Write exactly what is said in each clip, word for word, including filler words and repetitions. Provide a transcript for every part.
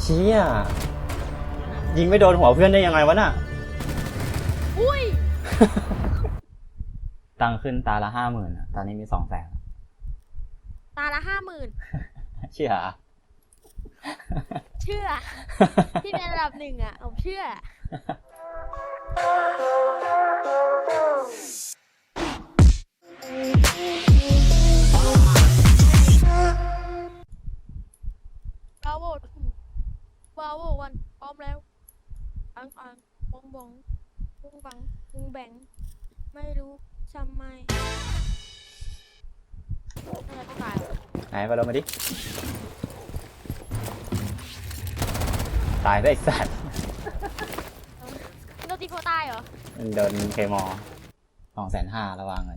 เชี่ยยิงไม่โดนหัวเพื่อนได้ยังไงวะน่ะอุ้ยตังขึ้นตาละห้าหมื่นตอนนี้มีสองแสนตาละห้าหมื่นเชื่อเชื่อ ที่เป็นระดับหนึ่งอ่ะผมเชื่อบาโวบาโววันพร้อมแล้วอังอังบองบองบุงบังบุงแบงไม่รู้ทำไมน่าจะต้องตายไหนไปลงมาดิตายได้สัตว์โดนตีโคตายเหรอโดนเคมอสองแสนห้าระวางเงิน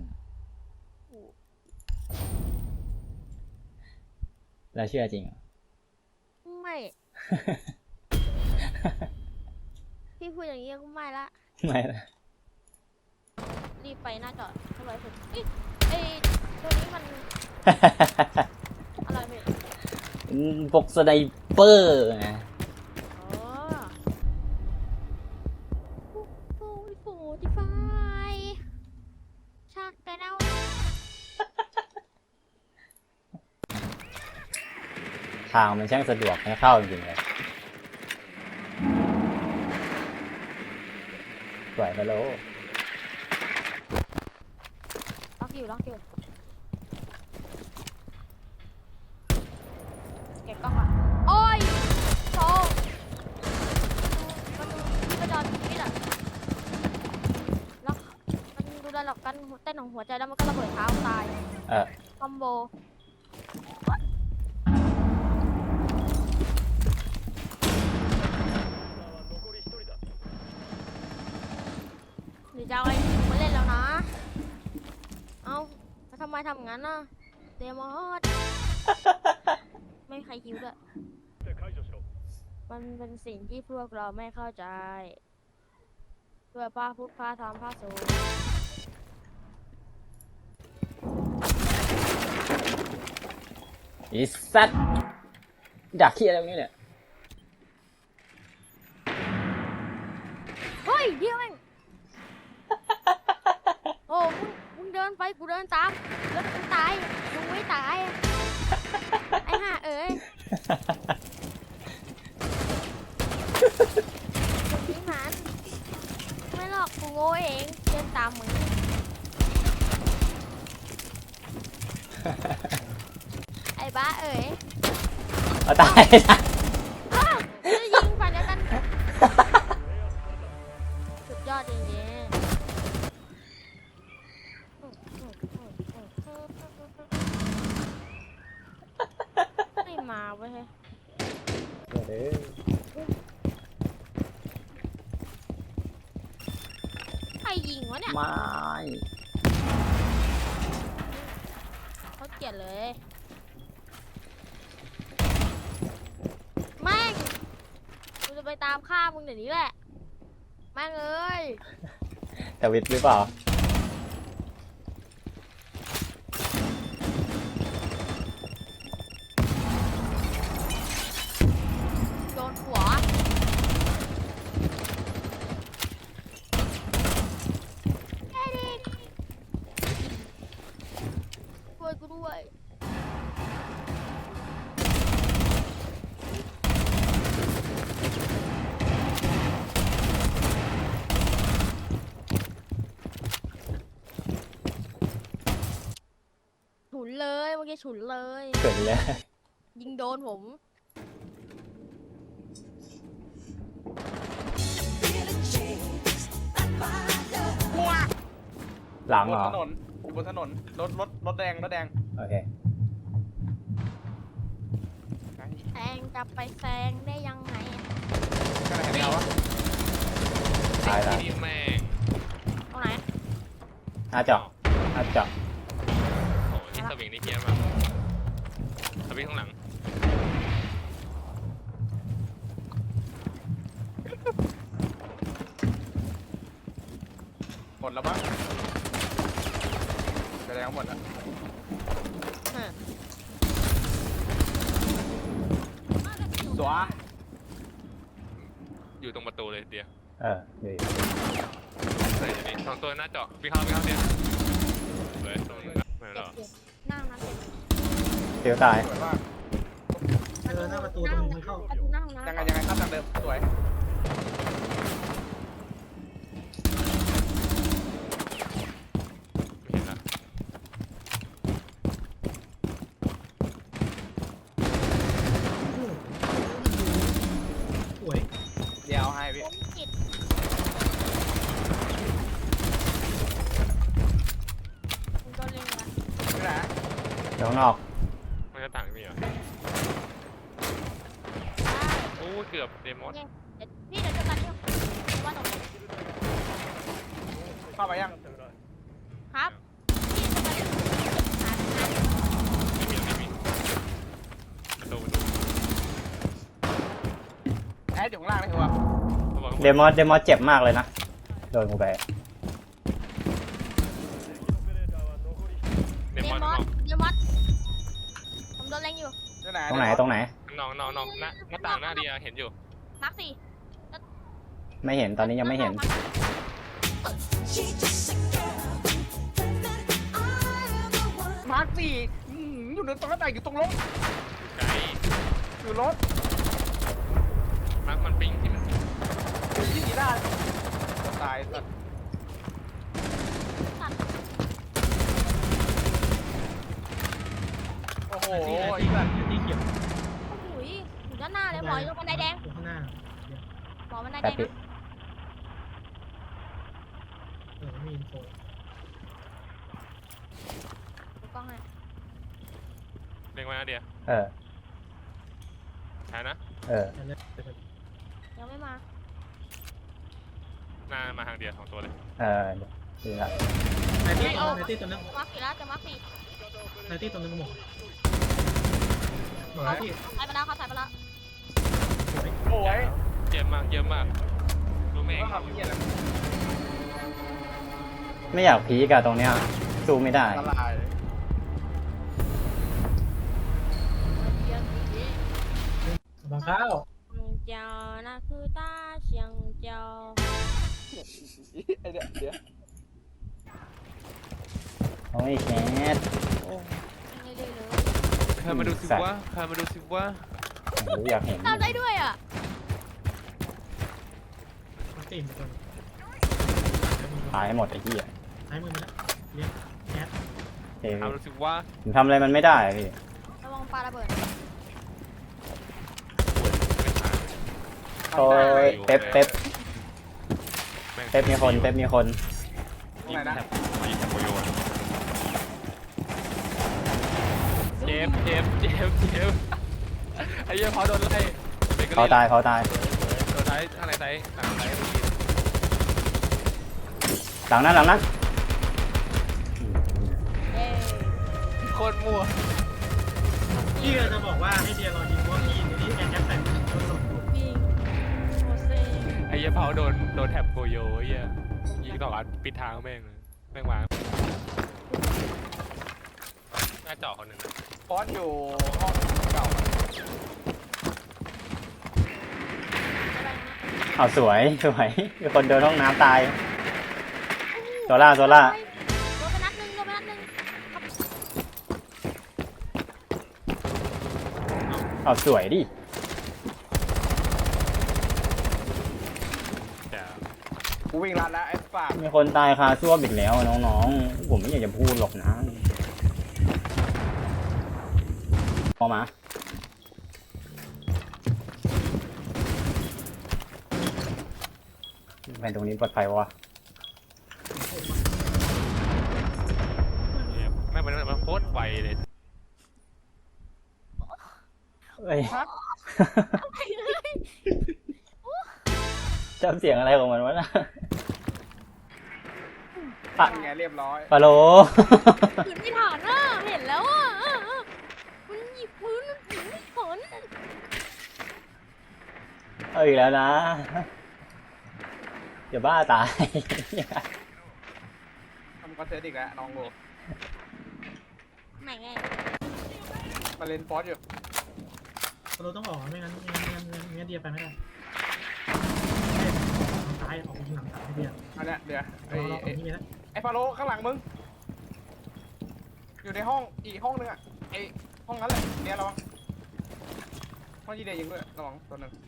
แล้วเชื่อจริงเหรอไม่ พี่พูดอย่างนี้ก็ไม่ละไม่ละรีบไปหน้าจอดทำไมถึงเอ้ยไอ้ตัวนี้มัน อะไรพี่พวกสไนเปอร์ไงอ๋อโอ้ยโฟติฟายชักแต่เน่าทางมันช่างสะดวกให้เข้าจริงๆเลยสวยไปโลล็อกอยู่ล็อกอยู่เก็บกล้องอ่ะโอ้ยโธ่มันดูที่ประจอนชีวิตอ่ะล็อกมันดูได้หรอกกันเต้นของหัวใจแล้วมันก็ระเบิดเท้าตายเออคอมโบหรือจะเอาไอ้มาเล่นแล้วนะเอาแล้วทำไมทำงั้นน่ะเดมอสไม่มีใครคิวด้วยมันเป็นสิ่งที่พวกเราไม่เข้าใจเพื่อพาพุทธพาธรรมพาสูงอีสัตว์ดักขี้อะไรตรงนี้เนี่ยเฮ้ยเดี๋ยวเองโอ้มึงมึงเดินไปกูเดินตามแล้วมึงตายมึงไม่ตายไอ้ห่าเอ้ยคนนี้มันไม่หรอกกูโง่เองเดินตามมึงไอ้บ้าเอ๋ยเอาตายนะจะยิงฝันเดียวกันสุดยอดจริงๆไม่มาเว้ยใครยิงวะเนี่ยไม่เขาเกลียดเลยแม่งกูจะไปตามฆ่ามึงเดี๋ยวนี้แหละแม่งเอ้ยทวิตหรือเปล่าโดนหัวเอ็ดิช่วยกูด้วยฉุนเลยเมื่อกี้ฉุนเลยเกิดเลยยิงโดนผมหลังเหรอถนนบนถนนรถรถรถแดงรถแดงโอเคแซงจะไปแซงได้ยังไงก็ไหนเห็นเราวะตายแล้วแม่งตรงไหนอาเจาะอาเจาะโอ้ที่สวิงนี่เพี้ยนมากสวิงข้างหลังหมดแล้วปะแสดงหมดแล้วสวะอยู่ตรงประตูเลยเดียวเอออยู่อยู่ใส่อยู่นี่สองตัวหน้าเจาะวิ่งเข้าวิ่งเข้าเดียวสวยตรงนี้ไม่หรเจ็อบเจ็บนั่งนะเจ็บเตียวตายสวยมากเออหน้าประตูตรงนี้มันเข้าประตูหน้าห้องน้ำยังไงยังไงครับทางเดิมสวยไม่เห็นละสวยเดี๋ยวให้พี่ผมจิตคุณโดนเล็งละไม่ได้เดี๋ยวข้างนอกมันจะต่างมีเหรอโอ้เกือบเดมอนเดี๋ยวพี่เดี๋ยวจะตัดที่ว่าตรงนี้เข้าไปยังครับพี่จะตัดที่หาหาไม่มีไม่มีประตูประตูแอดอยู่ข้างล่างนี่คือว่าเขาบอกเดมอนเดมอนเจ็บมากเลยนะโดนกูไปเดเดมอนมน้อองสเดมอสผมโดนเล็งอยู่ที่ไหนตรงไหนตรงไหนน้องน้องน้องหน้าหน้าต่างหน้าเดียเห็นอยู่นักสี่ไม่เห็นตอนนี้ยังไม่เห็นมาร์คสี่อื้อหืออยู่ในตรงหน้าต่างอยู่ตรงรถไกลอยู่รถมาร์คมันปิงที่มันอยู่ที่สีด้านตายสัตว์ตัดโอ้โหที่ไอ้ที่สัตว์ที่เขียวโอ้โหอยู่ด้านหน้าเลยหมออยู่ตรงบันไดแดงอยู่ข้างหน้าหมอบันไดแป๊แดบงพี่นะเออมีอินโฟดูกล้องให้เล็งไว้หน้าเดียเออใช่นะเอออันนี้ยังไม่มาหน้ามาทางเดียสองตัวเลยเออดีละในที่ในที่ตัวนึงมาร์คสี่แล้วจะมาร์คสี่ในที่ตัวนึงหมดหมดที่ถ่ายไปแล้วเขาถ่ายไปแล้วสวยโอ้ยเยี่ยมมากเยี่ยมมากรู้ไหมต้องทำเหี้ยอะไรไม่อยากพีกอะตรงเนี้ยสู้ไม่ได้ละลายบางข้าวเจ้านะคือตาเชียงเจ้าไอ้เดี๋ยวเดี๋ยวโอ้ยแคทไม่ได้เลยใครมาดูสิว่าใครมาดูสิว่าโอ้ยอยากเห็นทำได้ด้วยอ่ะมันตีนตัวตายหมดไอ้เหี้ยซ้ายมือมาแล้วเลี้ยงแคทเฮ้ยใครมาดูสิว่าผมทำอะไรมันไม่ได้อะพี่ระวังปลาระเบิดโอ้ยเป๊ปเป๊ปเป๊ปมีคนเป๊ปมีคนตรงไหนนะมายิงแถบโยนเจมเจมเจมเจมไอ้เหี้ยพอโดนไล่เขาตายเขาตายโดนไล่ข้างในไซส์หลังไซส์หลังนั้นหลังนั้นเย้โคตรมั่วพี่จะบอกว่าให้เดียรอยิงว่าพี่ในนี้แอนแอปแต่งตัวสดปิงโมเซ่ไอ้เหี้ยเผาโดนโดนแถบโกโยไอ้เหี้ยยิงต่ออัดปิดทางแม่งเลยแม่งวางหน้าเจาะคนหนึ่งนะฟอสอยู่ห้องเก่าอะไรนะเอาสวยสวยมีคนเดินห้องน้ำตายโซล่าโซล่าโดนไปนัดหนึ่งโดนไปนัดหนึ่งเอาสวยดิแต่กูวิ่งรัดแล้วไอ้ฝากมีคนตายคาซ่วมอีกแล้วน้องๆผมไม่อยากจะพูดหรอกนะพอมาไปตรงนี้ปลอดภัยวะเนี่ยแม่งมันมันโคตรไวเลยเอ้ย จำเสียงอะไรของมันวะนะปะยังไงเรียบร้อยปะโลขืนไม่ถอนอ่ะเห็นแล้วอ่ะเออเออมันหยิบพื้นมันถือไม่ถอนเอาอีกแล้วนะอย่าบ้าตายทำคอนเทนต์อีกแล้วน้องโลไหนไงมาเล่นฟอสอยู่เราต้องออกไม่งั้นไม่งั้นไม่งั้นเดียไปไม่ได้ออกไปยิงหลังสามให้เดียวอันเนี้ยเดี๋ยวไอ้รอรอตรไอ้งนี้นะไอ้ฟาโรข้างหลังมึงอยู่ในห้องอีกห้องนึงอ่ะไอ้ห้องนั้นแหละเดี๋ยวระวังห้องยีเดียยิงด้วยระวังตัวหนึ่ง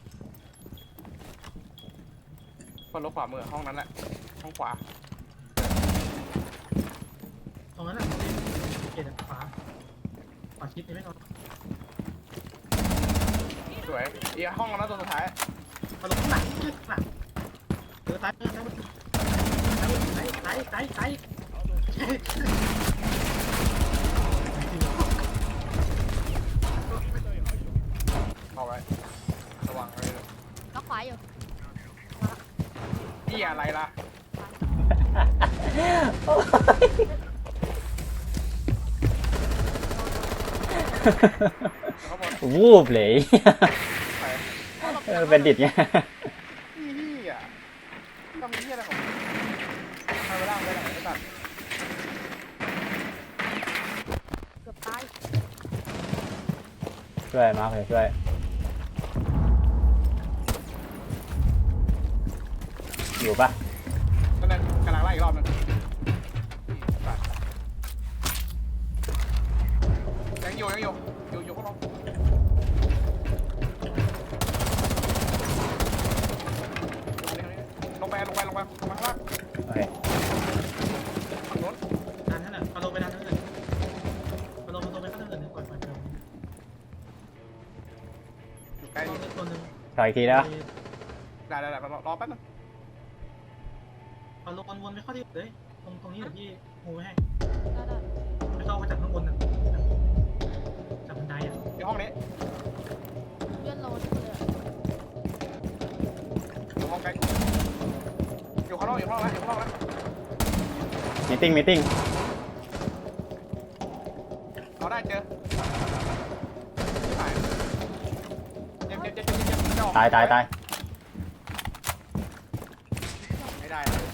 ฟาโรขวามือห้องนั้นแหละห้องขวาตรงนั้นอ่ะเกตขวาขวาชิดนี่ไม่นอนสวยอีกห้องนั้นตัวสุดท้ายมาลงข้างหลังข้างหลังเออซ้ายเออซ้ายซ้ายซ้ายซ้ายซ้ายซ้ายเอาไว้ระวังไว้เลยล็อกขวาอยู่พี่อะไรล่ะ เขาบอกวูบเลยไปเออเป็นดิดไงพี่พี่อ่ะทำพี่อะไรของทำไปล่างไปไหนไอ้สัตว์เกือบตายช่วยมาร์คเลยช่วยอยู่ปะตอนนั้นกำลังไล่อีกรอบนึงยังอยู่ยังอยู่อยู่อยู่ข้างนอกลงไปลงไปลงไปลงมาข้างล่างโอเคฝั่งโน้นดันนั่นแหละมาลงไปดันนั่นเลยมาลงมาลงไปข้างหน้าเลยก่อนก่อนอยู่ใกล้ลงตัวนึงถอยอีกทีแล้วได้ได้ได้รอรอแป๊บนึงเอาลงวนไปเข้าที่เลยตรงตรงนี้เดี๋ยวพี่งูไว้ให้ได้ได้ไม่เข้ามาจากข้างบนนะจากบันไดอ่ะอยู่ห้องนี้เลื่อนโลนี่เลยอยู่ห้องใกล้อยู่ข้างนอกอยู่ข้างนอกแล้วอยู่ข้างนอกแล้วมีติ้งมีติ้งเอาได้เจอเจ็บเจ็บเจ็บเจ็บเจ็บเจ็บตายตายตายไม่ได้เลย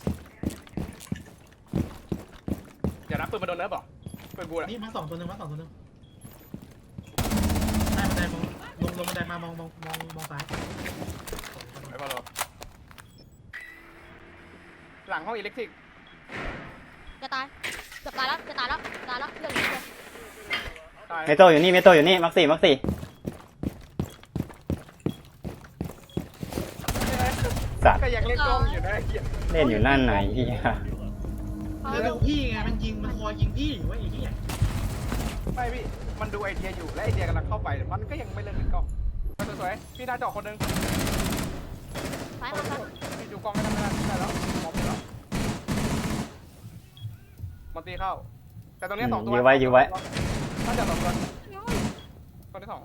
อย่ารับปืนมาโดนเนิร์ฟหรอปืนบูนะนี่มาสองตัวนึงมาสองตัวนึงได้บันไดมองลงลงบันไดมามองมองมองมองซ้ายไอ้บอลหลังห้องอิเล็กทริกจะตายเกือบตายแล้วจะตายแล้วตายแล้วเรื่องนี้เลยตายเมโตอยู่นี่เมโตอยู่นี่มักสี่มักสี่สัตว์ก็ยังเล่นกล้องอยู่นะไอ้เหี้ยเล่นอยู่นั่นไหนเฮียเขาแล้วดูพี่ไงมันยิงมันคอยยิงพี่อยู่ไอ้เหี้ยไม่พี่มันดูไอเดียอยู่และไอเดียกำลังเข้าไปมันก็ยังไม่เลิกเล่นกล้องสวยๆพี่หน้าจอคนนึงซ้ายมาซ้ายพี่ดูกล้องไม่ได้ไม่ได้ไม่ได้แล้วมองไม่แล้วมันตีเข้า แต่ตรงนี้สองตัวยื้อไว้ยื้อไว้น่าจะสองตัวตัวที่สอง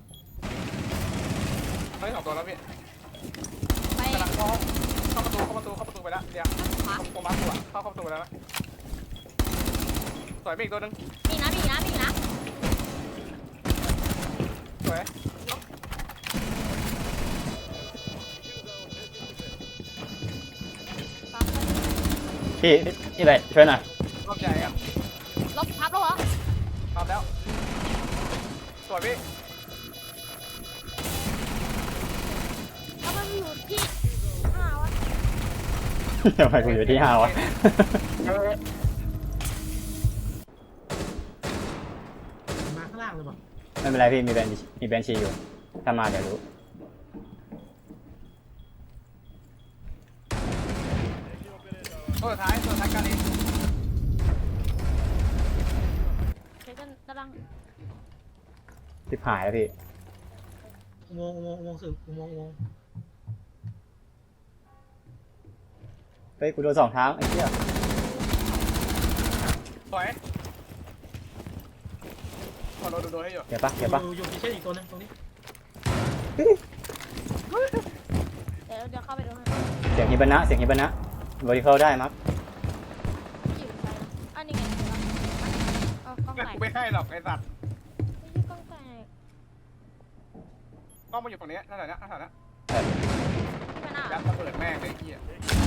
ตัวที่สองตัวแล้วพี่ไปกำลังเข้าเข้าประตูเข้าประตูเข้าประตูไปแล้วเดี๋ยวขวาผมมาตัวเข้าเข้าประตูไปแล้วนะสวยไปอีกตัวนึงมีนะมีนะมีนะสวยพี่นี่เลยช่วยหน่อยรอบใหญ่อะลบพับแล้วเหรอทำแล้ว สวยพี่แล้วมันอยู่ที่ห้าวะทำไมกูอยู่ที่ห้าวะมาข้างล่างเลยป่ะไม่เป็นไรพี่มีแบนมีแบนชีอยู่ถ้ามาเดี๋ยวรู้ตัวสุดท้ายตัวสุดท้ายการนี้เช็คกันกำลังทิพหายแล้วพี่อุโมงค์อุโมงค์อุโมงค์สื่ออุโมงค์อุโมงค์เฮ้ยกูโดนสองทางไอ้เหี้ยสวยขอโดนโดนให้อยู่เดี๋ยวปะเดี๋ยวปะอยู่อยู่ที่เช่นอีกตัวนึงตรงนี้เดี๋ยวเดี๋ยวเข้าไปดูให้เสียงฮิบานะเสียงฮิบานะบริเข้าได้มั้งที่อยู่ซ้ายอันนี้ไงเอากล้องแต่แตกกูไม่ให้หรอกไอ้สัตว์ไม่ใช่กล้องแตกกล้องมาอยู่ฝั่งนี้นั่นแหละนะนั่นแหละนะที่มันอ่ะยัดระเบิดแม่งเลยไอ้เหี้ย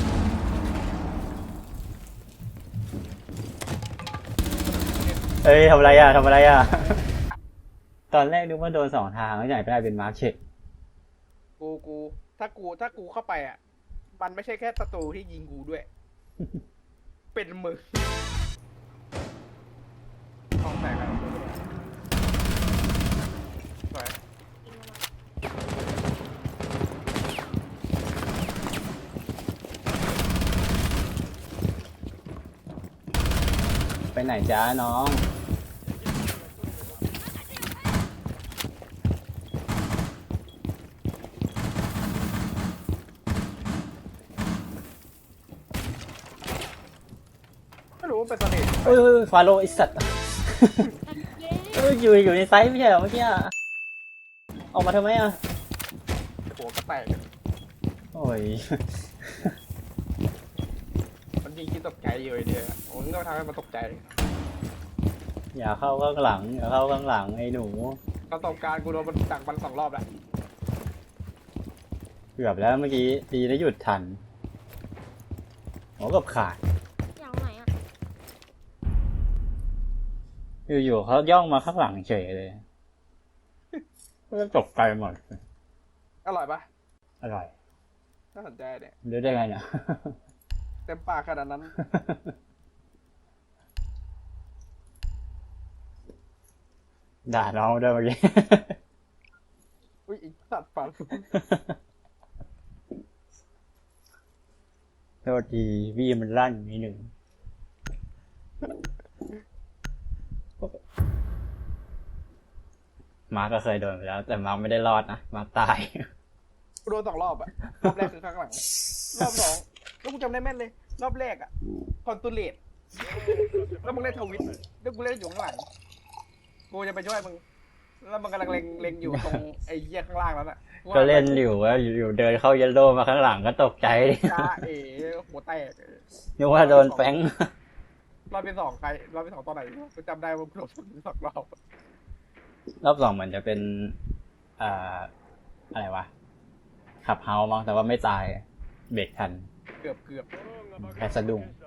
เอ้ยทำอะไรอ่ะทำอะไรอ่ะ ตอนแรกนึกว่าโดนสองทางแล้วใหญ่ไปได้เป็นมาร์คเชดกูกูถ้ากูถ้ากูเข้าไปอ่ะ ไปมันไม่ใช่แค่ศัตรูที่ยิงกูด้วย เป็นมึงห้องแตกกันสวยยิงมาไปไหนจ้าน้องไม่รู้ว่าเป็นเสน่ห์เอ้ยฟาโรห์ไอสัตว์เย้เอ้ยอยู่อยู่ในไซส์ไม่ใช่เหรอเมื่อกี้อะออกมาทำไมอ่ะหัวก็แตกโอ้ยมันยิงคิดตกใจอยู่ไอ้เดียวผมก็ทำให้มันตกใจอย่าเข้าข้างหลังอย่าเข้าข้างหลังไอ้หนูประสบการณ์กูโดนมันดักมันสองรอบแล้วเกือบแล้วเมื่อกี้ตีได้หยุดทันโอ้กับขาดอย่างไหนอ่ะอยู่ๆเขาย่องมาข้างหลังเฉยเลยก็ตกใจหมดอร่อยปะอร่อยน่าสนใจเนี่ยรู้ได้ไงเนี่ยเต็มปากขนาดนั้นด่าน้องด้วยเมื่อกี้อุ้ยอีกสัตว์ฟันโทษทีพี่มันลั่นนิดหนึ่งมาร์กก็เคยโดนไปแล้ว แต่มาร์กไม่ได้รอดนะมาร์กตายกูโดนสองรอบอะรอบแรกคือข้างหลัง รอบสองแล้วกูจำได้แม่นเลย รอบแรกอะคอนตูเลตแล้วมึงเล่นทวิตแล้วกูเล่นอยู่ข้างหลัง กูจะไปช่วยมึง แล้วมันกำลังเล็งเล็งอยู่ตรงไอ้เหี้ยข้างล่างแล้วน่ะก็เล่นอยู่ว่าอยู่ๆเดินเข้าเยลโล่มาข้างหลังก็ตกใจดิจ้าเอ๋หัวแตกนึกว่าโดนแฟงรอบที่สองใครรอบที่สองตอนไหนกูจำได้ว่ากูโดนสองรอบรอบสองเหมือนจะเป็นอ่าอะไรวะขับเฮาส์มั้งแต่ว่าไม่ตายเบรกทันเกือบเกือบแค่สะดุ้ง Against